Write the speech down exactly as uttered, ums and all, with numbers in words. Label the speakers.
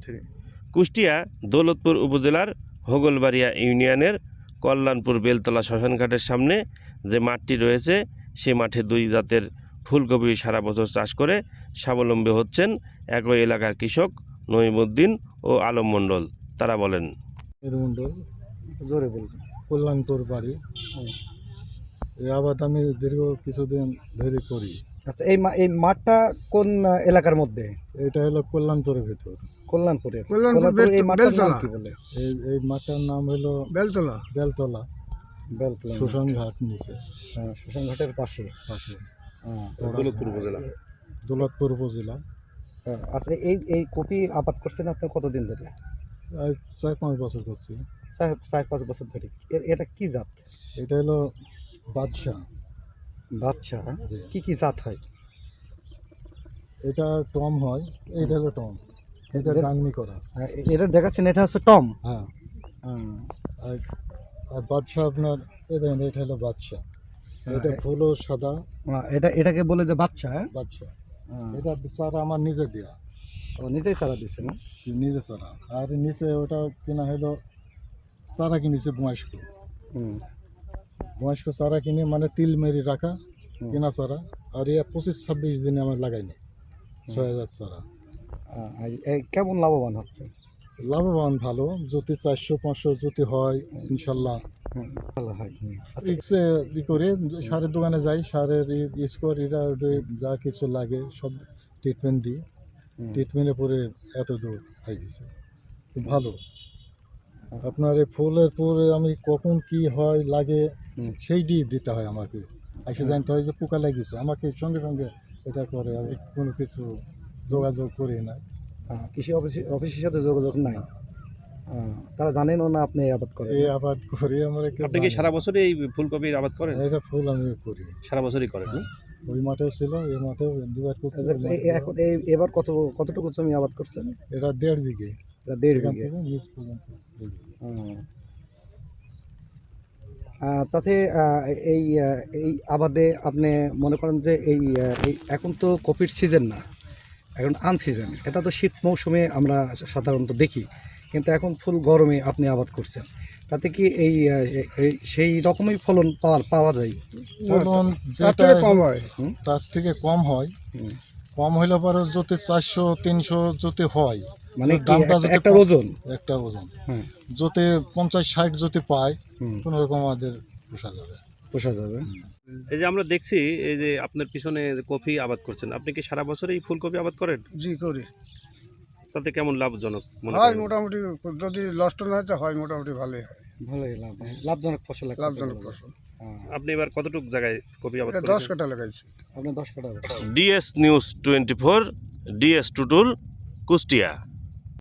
Speaker 1: Three.
Speaker 2: Kushtia Daulatpur উপজেলার হোগলবাড়িয়া ইউনিয়নের কল্যাণপুর বেলতলা শ্মশানঘাটের সামনে যে মাঠটি রয়েছে সেই মাঠে দুই জাতের ফুলকপি সারা বছর চাষ করে স্বাবলম্বী হচ্ছেন একই এলাকার কৃষক নঈমুদ্দিন ও আলম মণ্ডল। তারা বলেন,
Speaker 1: মন্ডল জোরে বলবেন। কল্যাণপুর বাড়ি। এই আবাদ আমি দীর্ঘ কিছুদিন ধরে করি।
Speaker 3: আচ্ছা, এই মা- এই মাঠটা কোন আহ, এলাকার মধ্যে?
Speaker 1: এটা হলো কল্যাণপুরের ভিতর।
Speaker 3: কল্যাণপুরে।
Speaker 4: কল্যাণপুর
Speaker 3: কল্যাণপুরে এই মাঠটার নাম
Speaker 4: বেলতলা।
Speaker 3: কি বলে?
Speaker 1: এই এই মাঠটার নাম হলো
Speaker 4: বেলতলা।
Speaker 1: বেলতলা
Speaker 3: বেলতলা।
Speaker 1: শ্মশান ঘাট নিচে
Speaker 3: হ্যাঁ, শ্মশানঘাটের পাশে।
Speaker 1: পাশে
Speaker 3: হ্যাঁ,
Speaker 2: দৌলতপুর উপজেলা।
Speaker 1: দৌলতপুর উপজেলা।
Speaker 3: হ্যাঁ। আচ্ছা, এই এই কপি আবাদ করছেন আপনি কতদিন ধরে?
Speaker 1: আজ চার পাঁচ বছর করছি।
Speaker 3: চার চার পাঁচ বছর ধরে। এ- এটা কি জাত?
Speaker 1: এটা হলো বাদশাহ।
Speaker 3: বাচ্চা?
Speaker 1: জি।
Speaker 3: কি কি জাত হয়?
Speaker 1: এটা টম হয়, এটা হলো টম, এটা
Speaker 3: যে-
Speaker 1: গাংনি করা।
Speaker 3: হ্যাঁ, এ- এটা দেখাচ্ছেন, এটা হচ্ছে টম।
Speaker 1: হ্যাঁ,
Speaker 3: হ্যাঁ।
Speaker 1: আর আর বাদশাহ আপনার এই দেখেন, এটা হলো বাদশাহ। এটা ফুলও সাদা।
Speaker 3: হ্যাঁ, এটা এটাকে বলে যে বাচ্চা। হ্যাঁ?
Speaker 1: বাদশাহ
Speaker 3: হ্যাঁ।
Speaker 1: এটা চারা আমার নিজে দেওয়া,
Speaker 3: ও নিজেই চারা দিছে না?
Speaker 1: নিজে চারা। আর নিচে ওটা কিনা হলো চারা কিনেছে বয়স্ক।
Speaker 3: হুম।
Speaker 1: বয়স্ক চারা কিনে মানে তিল মেরি রাখা
Speaker 3: হুম।
Speaker 1: কিনা চারা। আর ইয়া পঁচিশ ছাব্বিশ দিনে আমার লাগাইনি ছয় হাজার চারা।
Speaker 3: আহ, আর এই কেমন লাভবান হচ্ছে?
Speaker 1: লাভবান ভালো, যদি চারশো পাঁচশো যদি হয় ইনশাল্লাহ।
Speaker 3: হুম, ভালো হয়। হুম। আচ্ছা,
Speaker 1: ইক্সে ই করে সারের দোকানে যাই, সারের স্কোর এটা ওটা যা কিছু লাগে সব ট্রিটমেন্ট দিই।
Speaker 3: হুম।
Speaker 1: ট্রিটমেন্টের পরে এত দূর হয়ে গেছে, তো ভালো। আপনার এই ফুলের পরে আমি কখন কি হয় লাগে
Speaker 3: হুম।
Speaker 1: সেইটি দিতে হয় আমাকে। এসে জানতে হয় যে পোকা লাগিয়েছে, আমাকে সঙ্গে সঙ্গে এটা করে। আমি কোনো কিছু যোগাযোগ করি না।
Speaker 3: আহ, কৃষি অফিস অফিসের সাথে যোগাযোগ নাই। আহ, তারা জানেনও না আপনি এই আবাদ করেন।
Speaker 1: এই আবাদ করি আমরা। কেউ
Speaker 2: আপনি কি
Speaker 1: জানে
Speaker 2: সারা
Speaker 1: না।
Speaker 2: বছরই এই ফুলকপির আবাদ করেন?
Speaker 1: এটা ফুল আমি করি,
Speaker 2: সারা বছরই করেন না?
Speaker 1: ওই মাঠেও ছিল, এই মাঠেও দুবার করছি।
Speaker 3: এই- এই- এই- এখন এই এবার কত কতটুকু জমি আবাদ করছেন?
Speaker 1: এটা দেড় বিঘে,
Speaker 3: এটা দেড়
Speaker 1: এখান
Speaker 3: বিঘে।
Speaker 1: থেকে নিচ পর্যন্ত দেড় বিঘে।
Speaker 3: হুম। আহ, তাতে আহ, এই আহ, এই আবাদে আপনি মনে করেন যে এই আহ, এই এখন তো কপির সিজন না, এখন আনসিজন। এটা তো শীত মৌসুমে আমরা সাধারণত দেখি, কিন্তু এখন ফুল গরমে আপনি আবাদ করছেন। তাতে কি এই আহ, এই- সেই রকমই ফলন পাওয়া পাওয়া যায়?
Speaker 1: ফলন
Speaker 4: তার
Speaker 1: যেটা
Speaker 4: থেকে কম হয়।
Speaker 1: তার থেকে কম হয়।
Speaker 3: হুম।
Speaker 1: কম হইলে পরে যদি চারশো তিনশো যদি হয়,
Speaker 3: মানে
Speaker 1: তো
Speaker 3: কি
Speaker 1: দামটা
Speaker 3: একটা-
Speaker 1: যদি
Speaker 3: একটা
Speaker 1: কম-
Speaker 3: ওজন?
Speaker 1: একটা ওজন
Speaker 3: হ্যাঁ।
Speaker 1: যদি পঞ্চাশ ষাট যদি পায়,
Speaker 3: হুম,
Speaker 1: কোনো রকম আমাদের পোষা যাবে।
Speaker 3: পোষা যাবে।
Speaker 2: এই যে আমরা দেখছি এই যে আপনার পিছনে যে কফি আবাদ করছেন, আপনি কি সারা বছরই ফুলকপি আবাদ করেন?
Speaker 4: জি করি।
Speaker 2: তাতে কেমন লাভজনক মনে
Speaker 4: হয়
Speaker 2: করেন?
Speaker 4: মোটামুটি, যদি লস্ট না হয় তো হয় মোটামুটি ভালোই হয়।
Speaker 3: ভালোই লাভ, লাভজনক ফসল একটা
Speaker 4: লাভজনক
Speaker 3: বলা যায়।
Speaker 4: ফসল।
Speaker 3: হ্যাঁ।
Speaker 2: আপনি এবার কতটুকু জায়গায় কপি আবাদ
Speaker 4: এটা দশ
Speaker 2: করেছেন?
Speaker 4: কাঠা লাগাইছি।
Speaker 3: আপনি দশ কাটা।
Speaker 2: DS news twenty four, DS Tutul, Kushtia.